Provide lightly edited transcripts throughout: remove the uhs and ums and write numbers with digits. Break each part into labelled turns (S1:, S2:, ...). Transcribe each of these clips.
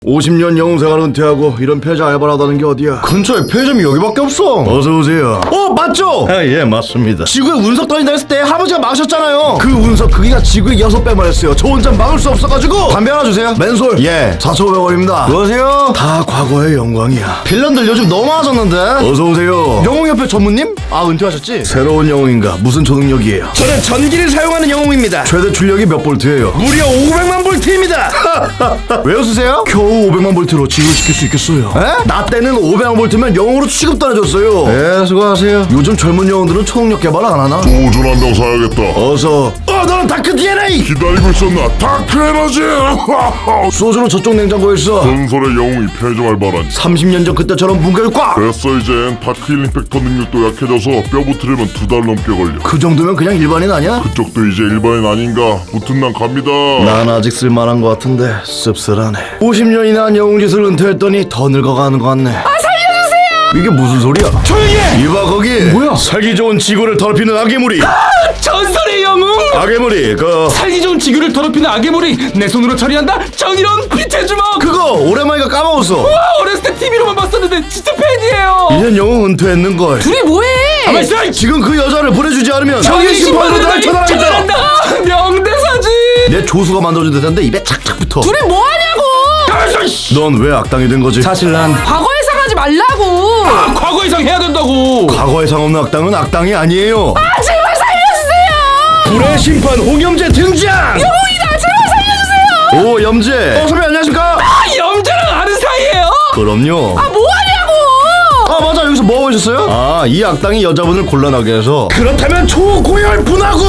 S1: 50년 영웅생활 은퇴하고 이런 편의점 알바를 하다는 게 어디야? 근처에 편의점이 여기밖에 없어. 어서오세요. 맞죠? 예, 맞습니다. 지구에 운석 떠진다 했을 때 할아버지가 막으셨잖아요. 그 운석 크기가 지구의 6배만 했어요. 저 혼자 막을 수 없어가지고. 담배 하나 주세요. 맨솔. 예, 4,500원입니다 안녕하세요. 다 과거의 영광이야. 빌런들 요즘 너무 많아졌는데. 어서오세요. 영웅협회 전무님? 은퇴하셨지? 새로운 영웅인가? 무슨 초능력이에요?
S2: 저는 전기를 사용하는 영웅입니다.
S1: 최대 출력이 몇 볼트예요?
S2: 무려 500만 볼트입니다.
S1: 왜 웃으세요? 겨우 500만 볼트로 지구를 지킬 수 있겠어요? 에? 나 때는 500만 볼트면 영웅으로 취급도 안 해줬어요. 네, 수고하세요. 요즘 젊은 영웅들은 초능력 개발 안 하나?
S3: 보존한다고 사야겠다.
S1: 어서.
S2: 너는 다크 DNA.
S3: 기다리고 있었나? 다크 에너지!
S1: 소주는 저쪽 냉장고에 있어.
S3: 전설의 영웅이 편의점 알바라니.
S1: 30년 전 그때처럼 문결 꽉!
S3: 됐어 이젠. 다크 힐링 팩터 능력도 약해져서 뼈 붙으려면 2달 넘게 걸려.
S1: 그 정도면 그냥 일반인 아니야?
S3: 그쪽도 이제 일반인 아닌가? 붙은 난 갑니다.
S1: 난 아직 쓸만한 것 같은데 씁쓸하네. 50년이나 한 영웅짓을 은퇴했더니 더 늙어가는 것 같네. 살려주세요! 이게 무슨 소리야?
S2: 조용히 해.
S1: 이봐 거기. 뭐야? 살기 좋은 지구를 더럽히는 악의물이.
S2: 전설의 영웅.
S1: 악의물이
S2: 살기 좋은 지구를 더럽히는 악의물이 내 손으로 처리한다. 정의로운 빛의 주먹.
S1: 그거 오랜만이가 까먹었어.
S2: 어렸을 때 TV로만 봤었는데 진짜 팬이에요.
S1: 이젠 영웅 은퇴했는걸.
S4: 둘이 뭐해?
S1: 지금 그 여자를 보내주지 않으면 정의 심판으로 날 처단하겠다.
S2: 명대사지.
S1: 내 조수가 만들어준 듯한데 입에 착착 붙어.
S4: 둘이 뭐하냐고!
S1: 넌 왜 악당이 된 거지?
S2: 사실 난
S4: 과거에 상하지 말라고!
S2: 과거 이상 해야 된다고.
S1: 과거에 상없는 악당은 악당이 아니에요.
S4: 제발 살려주세요!
S1: 불의 심판 홍염재 등장!
S4: 영웅이다! 제발 살려주세요!
S1: 오 염재. 선배님 안녕하십니까?
S2: 염재랑 아는 사이예요.
S1: 그럼요.
S4: 뭐하냐고!
S1: 맞아, 여기서 뭐 하고 있었어요? 이 악당이 여자분을 곤란하게 해서.
S2: 그렇다면 초고열 분하고.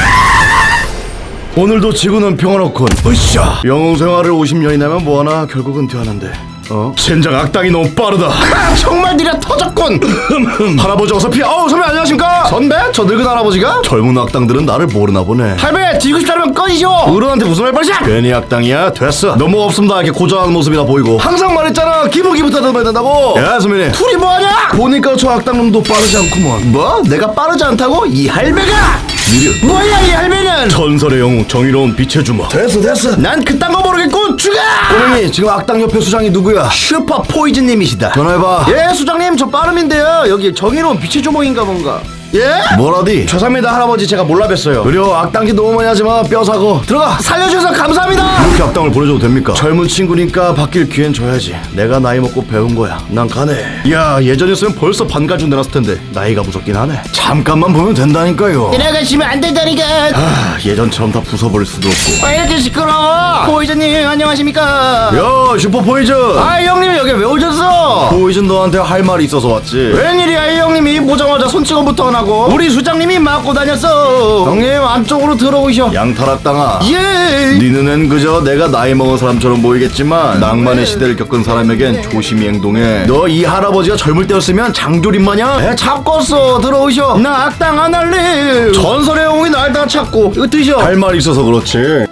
S1: 오늘도 지구는 평화롭군. 으쌰. 영웅 생활을 50년이나 하면 뭐하나 결국 은퇴하는데. 젠장 악당이 너무 빠르다. 정말 느려 터졌군. 할아버지 어서 피해. 선배 안녕하십니까? 선배? 저 늙은 할아버지가? 젊은 악당들은 나를 모르나 보네. 할배 뒤고 싶다면 꺼지죠. 어른한테 무슨 말버릇이야? 괜히 악당이야. 됐어. 너무 없습니다. 이렇게 고전하는 모습이나 보이고. 항상 말했잖아. 기부기부터 들어야 된다고. 야 선배님. 둘이 뭐하냐? 보니까 저 악당놈도 빠르지 않구먼. 뭐? 내가 빠르지 않다고? 이 할배가 느려. 뭐야 이 할배는? 전설의 영웅 정의로운 빛의 주먹. 됐어. 난 그딴 거 모르겠고 죽어. 꼬맹이 지금 악당협회 수장이 누구야? 슈퍼 포이즈님이시다. 전화해봐. 예 수장님 저 빠름인데요. 여기 정의로운 빛의 주먹인가 뭔가. 예? 뭐라디? 죄송합니다 할아버지 제가 몰라 뵀어요. 그래요 악당짓 너무 많이 하지마. 뼈 사고 들어가. 살려주셔서 감사합니다. 이렇게 악당을 보내줘도 됩니까? 젊은 친구니까 바뀔 기회는 줘야지. 내가 나이 먹고 배운 거야. 난 가네. 야 예전이었으면 벌써 반가준 내놨을 텐데 나이가 무섭긴 하네. 잠깐만 보면 된다니까요.
S4: 들어가시면 안 된다니까!
S1: 예전처럼 다 부숴버릴 수도 없고.
S4: 왜 이렇게 시끄러워? 포이즈님 안녕하십니까?
S1: 야 슈퍼 포이즌.
S4: 형님 여기 왜 오셨어?
S1: 포이즌 너한테 할 말이 있어서 왔지.
S4: 웬일이야 이 형님이 보자마자 손찌검부터 나고 우리 수장님이 맞고 다녔어. 형님 안쪽으로 들어오셔.
S1: 양탈악당아.
S4: 예.
S1: 네 눈엔 그저 내가 나이 먹은 사람처럼 보이겠지만 낭만의 시대를 겪은 사람에겐 조심히 행동해. 너 이 할아버지가 젊을 때였으면 장조림 마냥
S4: 잡고서 들어오셔. 나 악당 안 할래.
S1: 전설의 영웅이 날 다 찾고
S4: 이거 드셔.
S1: 할 말이 있어서 그렇지.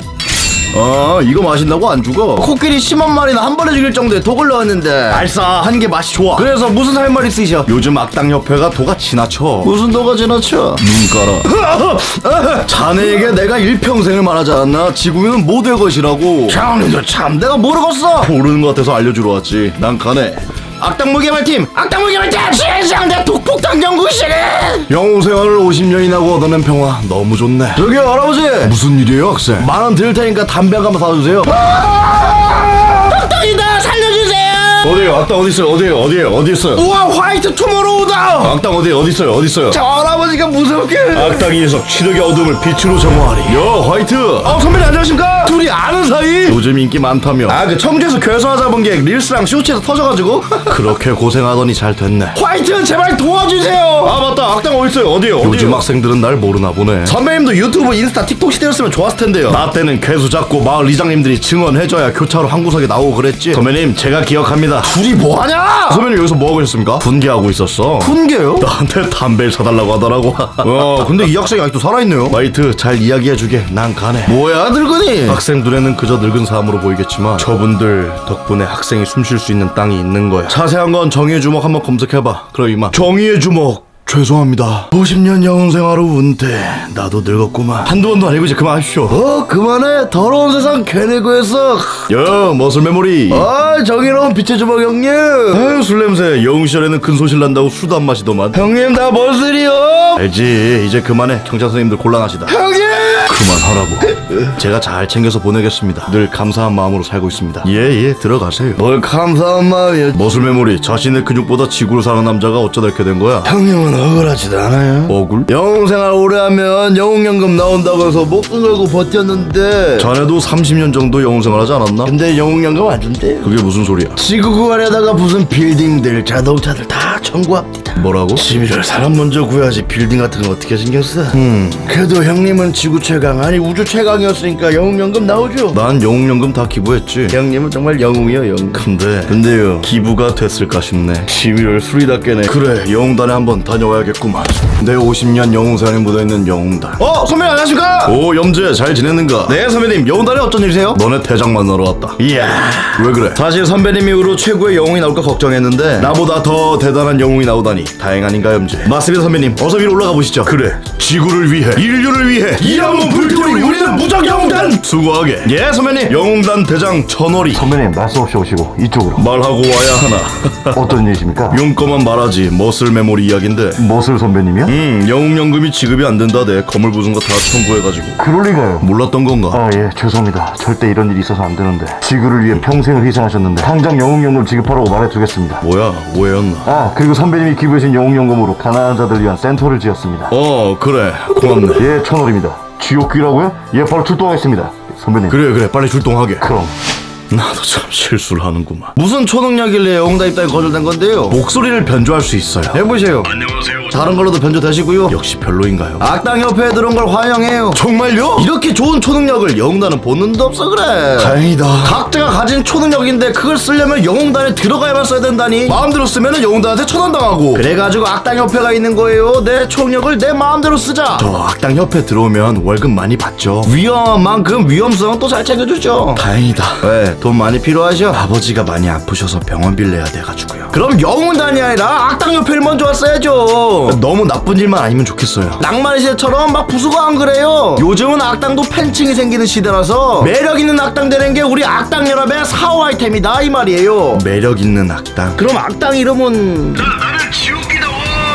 S1: 이거 마신다고 안 죽어.
S4: 코끼리 10만 마리나 한 번에 죽일 정도의 독을 넣었는데
S1: 알싸한 게 맛이 좋아.
S4: 그래서 무슨 할 말 있으셔?
S1: 요즘 악당협회가 도가 지나쳐.
S4: 무슨 독가 지나쳐?
S1: 눈 깔아. 자네에게 내가 일평생을 말하지 않았나? 지구는 못 될 것이라고.
S4: 형님도 참 내가 모르겠어.
S1: 모르는 것 같아서 알려주러 왔지. 난 가네.
S4: 악당 무게발팀 시장 내 독폭탄 연구실에.
S1: 영웅 생활을 50년이나 하고 얻어낸 평화 너무 좋네. 저기 할아버지 무슨 일이에요 학생? 10,000원 드릴 테니까 담배 한 가마 사주세요.
S4: 악당이다 살려주세요.
S1: 어디에요? 악당 어디 있어요? 어디 있어요?
S4: 우와 화이트 투모로우다.
S1: 악당 어디 있어요?
S4: 저 할아버지가 무섭게.
S1: 악당이 녀석 치력의 어둠을 빛으로 정화하리. 야 화이트.
S4: 선배님 안녕하십니까? 둘이 아는 사이?
S1: 요즘 인기 많다며.
S4: 그 청주에서 교회에서 잡은 게 릴스랑 쇼츠에서 터져가지고.
S1: 그렇게 고생하더니 잘 됐네.
S4: 화이트 제발 도와주세요.
S1: 맞다. 악당 어디 있어요? 어디에요? 요즘 학생들은 날 모르나 보네.
S4: 선배님도 유튜브 인스타 틱톡 시대였으면 좋았을 텐데요.
S1: 나 때는 괴수 잡고 마을 이장님들이 증언해줘야 교차로 한 구석에 나오고 그랬지. 선배님 제가 기억합니다.
S4: 둘이 뭐하냐?
S1: 선배님 여기서 뭐하고 계셨습니까? 분개하고 있었어.
S4: 분개요?
S1: 나한테 담배를 사달라고 하더라고. 근데 이 학생이 아직도 살아있네요. 화이트 잘 이야기해주게. 난 가네.
S4: 뭐야 늙은이?
S1: 학생 눈에는 그저 늙은 사람으로 보이겠지만 저분들 덕분에 학생이 숨 쉴 수 있는 땅이 있는 거야. 자세한 건 정의의 주먹 한번 검색해봐. 그럼 이만. 정의의 주먹 죄송합니다. 50년 영웅 생활 후 은퇴. 나도 늙었구만. 한두 번도 아니고 이제 그만하십시오.
S4: 그만해. 더러운 세상 괜히 구했어.
S1: 야, 머슬 메모리.
S4: 정의로운 빛의 주먹 형님.
S1: 아유, 술 냄새. 영웅 시절에는 큰 소실 난다고 술도 안 마시더만.
S4: 형님 나 머슬이요.
S1: 알지. 이제 그만해. 경찰 선생님들 곤란하시다.
S4: 형님.
S1: 그만하라고. 제가 잘 챙겨서 보내겠습니다. 늘 감사한 마음으로 살고 있습니다. 예, 들어가세요.
S4: 뭘 감사한 마음이야.
S1: 머슬 메모리. 자신의 근육보다 지구를 사는 남자가 어쩌다 이렇게 된 거야?
S4: 형님은 억울하지도 않아요.
S1: 억울?
S4: 영웅 생활 오래 하면 영웅연금 나온다고 해서 목숨 걸고 버텼는데
S1: 자네도 30년 정도 영웅 생활하지 않았나?
S4: 근데 영웅연금 안 준대요.
S1: 그게 무슨 소리야?
S4: 지구 구하려다가 무슨 빌딩들 자동차들 다 청구합니다.
S1: 뭐라고?
S4: 시민을 사람 먼저 구해야지 빌딩 같은 거 어떻게 신경 써? 그래도 형님은 지구 최강 아니 우주 최강이었으니까 영웅연금 나오죠.
S1: 난 영웅연금 다 기부했지.
S4: 형님은 정말 영웅이요 영웅.
S1: 근데요, 기부가 됐을까 싶네. 11월 술이 닦게네. 그래, 영웅단에 한번 다녀와야겠구만. 내 50년 영웅생활에 묻어있는 영웅단.
S4: 선배님 안녕하십니까?
S1: 오, 염재 잘 지냈는가?
S4: 네 선배님 영웅단에 어쩐 일이세요?
S1: 너네 대장 만나러 왔다.
S4: 이야
S1: 왜 그래?
S4: 사실 선배님 이후로 최고의 영웅이 나올까 걱정했는데
S1: 나보다 더 대단한 영웅이 나오다니 다행 아닌가, 염재?
S4: 맞습니다 선배님. 어서 위로 올라가 보시죠.
S1: 그래, 지구를 위해, 인류를 위해
S4: 이 한번 불태우리 우리는 무적 영웅단.
S1: 수고하게.
S4: 예 선배님.
S1: 영웅단 대장 천월이.
S5: 선배님 말씀 없이 오시고 이쪽으로.
S1: 말하고 와야 하나?
S5: 어떤 일이십니까?
S1: 용건만 말하지. 머슬 메모리 이야긴데.
S5: 머슬 선배님이요?
S1: 영웅연금이 지급이 안 된다대. 거물 부순 거 다 청구해가지고.
S5: 그럴 리가요.
S1: 몰랐던 건가?
S5: 아, 예, 죄송합니다. 절대 이런 일이 있어서 안 되는데. 지구를 위해 평생을 희생하셨는데 당장 영웅연금 지급하라고 말해두겠습니다.
S1: 뭐야, 오해였나?
S5: 아, 그리고 선배님이 기부해준 영웅연금으로 가난한 자들 위한 센터를 지었습니다.
S1: 그래, 고맙네.
S5: 예, 천월입니다. 지옥귀라고요? 예, 바로 출동하겠습니다. 선배님.
S1: 그래, 빨리 출동하게.
S5: 그럼.
S1: 나도 참 실수를 하는구만.
S4: 무슨 초능력이길래 영웅단 입단이 거절된 건데요?
S1: 목소리를 변조할 수 있어요.
S4: 해보세요.
S1: 안녕하세요.
S4: 다른 걸로도 변조되시고요.
S1: 역시 별로인가요?
S4: 악당협회에 들어온 걸 환영해요.
S1: 정말요?
S4: 이렇게 좋은 초능력을 영웅단은 본능도 없어 그래.
S1: 다행이다.
S4: 각자가 가진 초능력인데 그걸 쓰려면 영웅단에 들어가야만 써야 된다니. 마음대로 쓰면 영웅단한테 처단당하고. 그래가지고 악당협회가 있는 거예요. 내 초능력을 내 마음대로 쓰자.
S1: 저 악당협회 들어오면 월급 많이 받죠.
S4: 위험한 만큼 위험성은 또 잘 챙겨주죠.
S1: 다행이다.
S4: 왜? 돈 많이 필요하셔?
S1: 아버지가 많이 아프셔서 병원 빌려야 돼가지고요.
S4: 그럼 영웅단이 아니라 악당협회를 먼저 왔어야죠.
S1: 너무 나쁜 일만 아니면 좋겠어요.
S4: 낭만의 시대처럼 막 부수고 안 그래요. 요즘은 악당도 팬층이 생기는 시대라서 매력 있는 악당 되는 게 우리 악당 연합의 4호 아이템이다 이 말이에요.
S1: 매력 있는 악당.
S4: 그럼 악당 이름은
S1: 나는 지옥이다.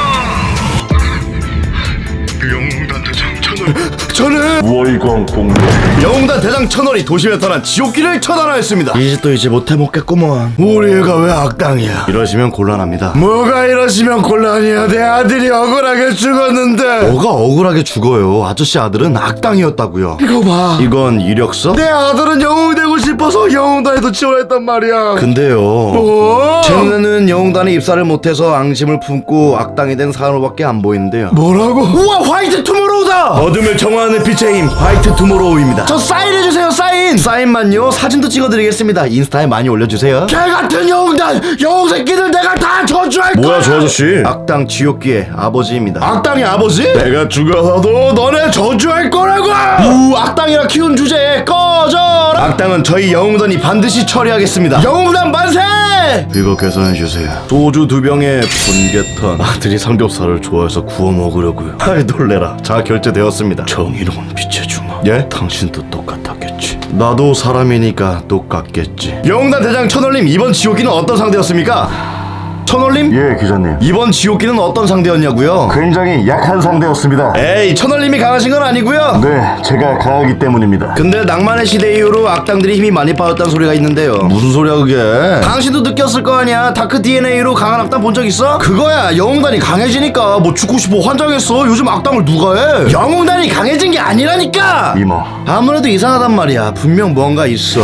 S1: 영웅단 대장 천월. 저는
S5: 월광 공룡.
S1: 영웅단 대장 천월이 도심에 타난 지옥길을 처단하였습니다.
S4: 이제 또 이제 못해 먹겠구먼.
S1: 우리 애가 왜 악당이야? 이러시면 곤란합니다.
S4: 뭐가 이러시면 곤란이야. 내 아들이 억울하게 죽었는데.
S1: 뭐가 억울하게 죽어요? 아저씨 아들은 악당이었다고요.
S4: 이거 봐.
S1: 이건 이력서?
S4: 내 아들은 영웅이 되고 싶어서 영웅단에도 지원했단 말이야.
S1: 근데요.
S4: 뭐?
S1: 제 눈에는 영웅단에 입사를 못해서 앙심을 품고 악당이 된 산호밖에 안 보이는데요.
S4: 뭐라고? 우와 화이트 투모로우다.
S1: 어둠을 정화하는 빛의 힘 화이트 투모로우입니다.
S4: 저 사인해주세요 사인.
S1: 사인만요? 사진도 찍어드리겠습니다. 인스타에 많이 올려주세요.
S4: 개같은 영웅단 영웅 새끼들 내가 다 저주할 거야.
S1: 뭐야 저 아저씨? 악당 지옥기의 아버지입니다.
S4: 악당의 아버지?
S1: 내가 죽어서도 너네 저주할 거라고!
S4: 악당이라 키운 주제에 꺼져라.
S1: 악당은 저희 영웅단이 반드시 처리하겠습니다.
S4: 영웅단 만세.
S1: 이거 계산해주세요. 소주 2병에 분개탄. 아들이 삼겹살을 좋아해서 구워 먹으려고요. 아이 놀래라. 자 결제되었습니다. 정의로운 빛의 주먹. 예? 당신도 똑같았겠지. 나도 사람이니까 똑같겠지. 영웅단 대장 천월님, 이번 지옥기는 어떤 상대였습니까? 천월님?
S5: 예, 기자님.
S1: 이번 지옥기는 어떤 상대였냐고요?
S5: 굉장히 약한 상대였습니다.
S1: 에이, 천월님이 강하신 건 아니고요.
S5: 네, 제가 강하기 때문입니다.
S1: 근데 낭만의 시대 이후로 악당들이 힘이 많이 빠졌다는 소리가 있는데요. 무슨 소리야 그게?
S4: 당신도 느꼈을 거 아니야. 다크 DNA로 강한 악당 본 적 있어? 그거야. 영웅단이 강해지니까 뭐 죽고 싶어 환장했어. 요즘 악당을 누가 해? 영웅단이 강해진 게 아니라니까.
S5: 이모.
S4: 아무래도 이상하단 말이야. 분명 뭔가 있어.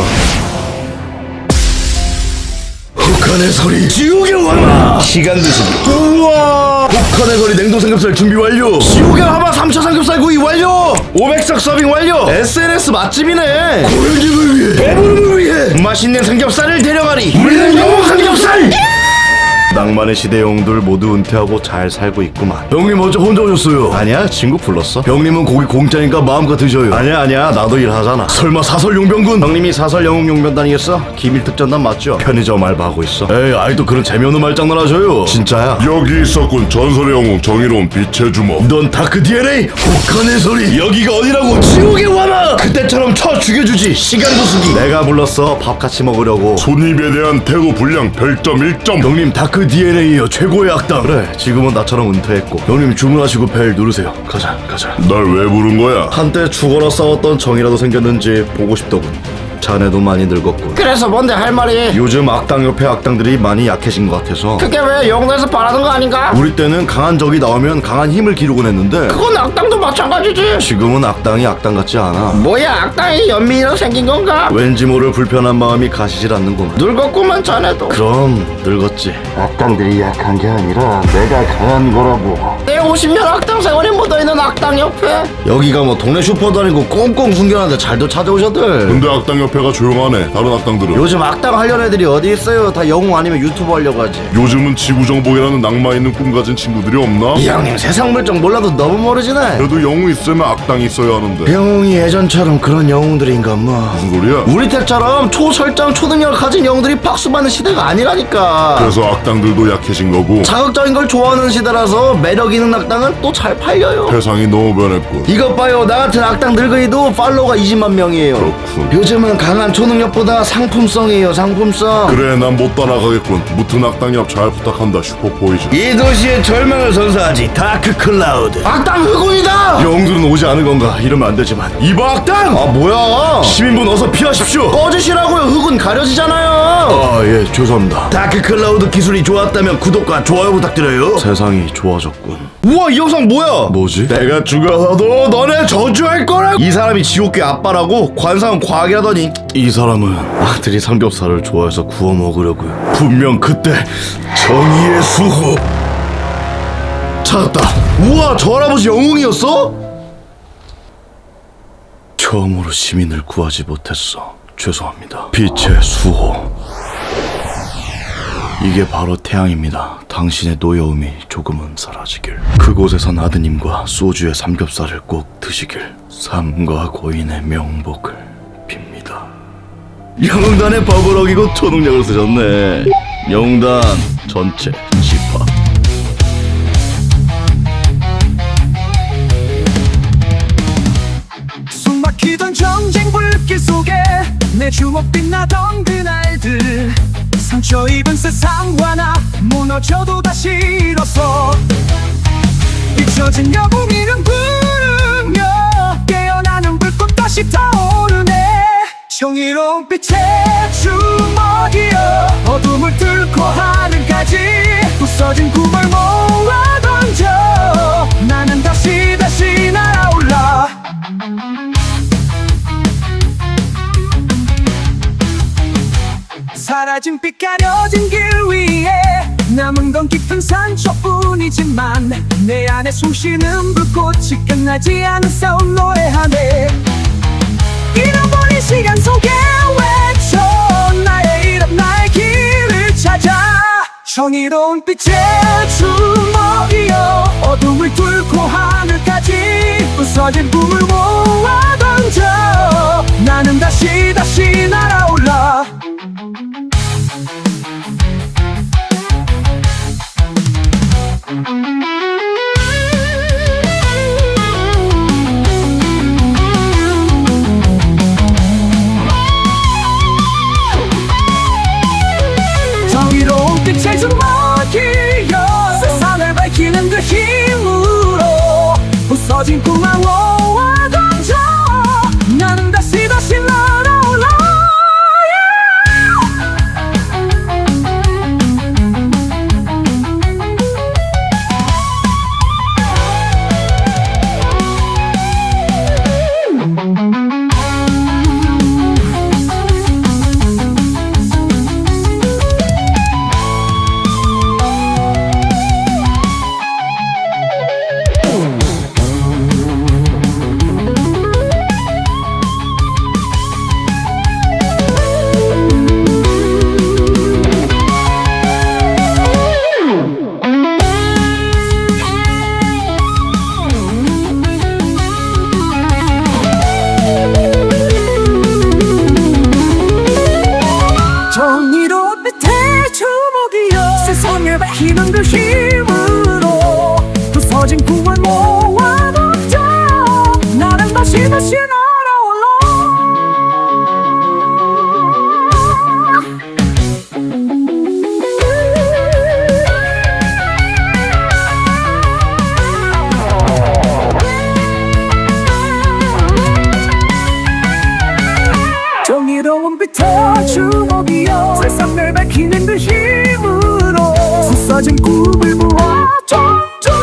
S1: 북한의 소리 지옥의 화마 시간 드시기. 우와, 북한의 소리 냉동 삼겹살 준비 완료.
S4: 지옥의 화마 3차 삼겹살 구이 완료. 500석 서빙 완료. SNS 맛집이네.
S1: 고현님을 위해, 배부름을 위해
S4: 맛있는 삼겹살을 데려가리.
S1: 우리는 영웅 삼겹살. 낭만의 시대 영웅들 모두 은퇴하고 잘 살고 있구만. 형님 어째 혼자 오셨어요? 아니야, 친구 불렀어. 형님은 고기 공짜니까 마음껏 드셔요. 아니야, 나도 일하잖아. 설마 사설 용병군? 형님이 사설 영웅 용병단이겠어? 기밀 특전단 맞죠? 편의점 알바하고 있어. 에이, 아이도 그런 재미없는 말장난 하셔요. 진짜야.
S3: 여기 있었군. 전설의 영웅 정의로운 빛의 주먹.
S1: 넌 다크 DNA 혹한의 소리. 여기가 어디라고? 지옥의 완화. 그때처럼 쳐 죽여주지. 시간 부수기. 내가 불렀어. 밥 같이 먹으려고.
S3: 손님에 대한 태도 불량 별점 1점.
S1: 형님 다크 DNA요 최고의 악당. 그래, 지금은 나처럼 은퇴했고. 형님 주문하시고 벨 누르세요. 가자.
S3: 날 왜 부른 거야?
S1: 한때 죽어라 싸웠던 정이라도 생겼는지 보고 싶더군. 자네도 많이 늙었군.
S4: 그래서 뭔데 할 말이?
S1: 요즘 악당 옆에 악당들이 많이 약해진 것 같아서.
S4: 그게 왜 영웅에서 바라는 거 아닌가?
S1: 우리 때는 강한 적이 나오면 강한 힘을 기르곤 했는데
S4: 그건 악당도 마찬가지지.
S1: 지금은 악당이 악당 같지 않아.
S4: 뭐야, 악당이 연민이로 생긴 건가?
S1: 왠지 모를 불편한 마음이 가시질 않는구만.
S4: 늙었구만 자네도.
S1: 그럼 늙었지.
S5: 악당들이 약한 게 아니라 내가 강한 거라고.
S4: 내 50년 악당 세월이 묻어있는 악당 옆에.
S1: 여기가 뭐 동네 슈퍼도 아니고 꽁꽁 숨겨놨는데 잘도 찾아오셨들.
S3: 근데 악당 옆에가 조용하네. 다른 악당들은.
S1: 요즘 악당 하려는 애들이 어디 있어요? 다 영웅 아니면 유튜버 하려고 하지.
S3: 요즘은 지구정복이라는 낭만 있는 꿈 가진 친구들이 없나?
S1: 이 형님 세상 물정 몰라도 너무 모르지네.
S3: 그래도 영웅 있으면 악당이 있어야 하는데.
S1: 영웅이 예전처럼 그런 영웅들인가 뭐.
S3: 무슨 소리야?
S1: 우리 때처럼 초설정 초능력 가진 영웅들이 박수받는 시대가 아니라니까.
S3: 그래서 악당들도 약해진 거고.
S1: 자극적인 걸 좋아하는 시대라서 매력 있는 악당은 또 잘 팔려요.
S3: 세상이 너무 변했군.
S1: 이것 봐요, 나 같은 악당 늙은이도 팔로워가 20만 명이에요.
S3: 그렇군.
S1: 요즘은 강한 초능력보다 상품성이에요, 상품성.
S3: 그래, 난 못 따라가겠군. 무튼 악당 옆 잘 부탁한다. 슈퍼포이즌.
S1: 이 도시의 절망을 선사하지, 다크 클라우드.
S4: 악당 흑운이다.
S1: 영웅들은 오지 않은 건가? 이러면 안 되지만. 이봐 악당!
S4: 아 뭐야?
S1: 시민분 어서 피하십시오.
S4: 꺼지시라고요. 흑운 가려지잖아요.
S1: 아, 예, 죄송합니다. 다크 클라우드 기술이 좋았다면 구독과 좋아요 부탁드려요. 세상이 좋아졌군.
S4: 우와, 이 영상 뭐야?
S1: 뭐지? 내가 죽어서도 너네 저주할 거라고. 이 사람이 지옥계 아빠라고 관상은 과학이라더니. 이 사람은 아들이 삼겹살을 좋아해서 구워 먹으려고요. 분명 그때 정의의 수호 찾았다. 우와, 저 할아버지 영웅이었어? 처음으로 시민을 구하지 못했어. 죄송합니다. 빛의 수호. 이게 바로 태양입니다. 당신의 노여움이 조금은 사라지길. 그곳에선 아드님과 소주의 삼겹살을 꼭 드시길. 삶과 고인의 명복을 빕니다. 영웅단의 법을 어기고 초능력을 쓰셨네. 영웅단 전체 집합.
S6: 숨막히던 전쟁 불길 속에 내 주먹 빛나던 그날들, 상처 입은 세상과 나 무너져도 다시 일어서 잊혀진 영웅이름 부르며 깨어나는 불꽃 다시 타오르네. 정의로운 빛의 주먹이여 어둠을 뚫고 하늘까지 부서진 꿈을 모아 던져 나는 다시 날아올라. 사라진 빛 가려진 길 위에 남은 건 깊은 상처뿐이지만 내 안에 숨쉬는 불꽃이 끝나지 않은 싸움 노래하네. 잃어버린 시간 속에 외쳐 나의 이름 나의 길을 찾아. 정의로운 빛의 주먹이여 어둠을 뚫고 하늘까지 부서진 꿈을 모아 던져 나는 다시 날아올라. 정의로운 빛의 주먹이여 세상을 밝히는 그 힘으로 부서진 꿈을 모아 던져 나는 다시 날아올라. 밝히는 그 힘으로 부서진 꿈을 모아 먹자. 나는 다시 날아올라. 정의로운 빛의 주먹이여 세상을 밝히는 그 힘으로 부서진 꿈을 모아 정정.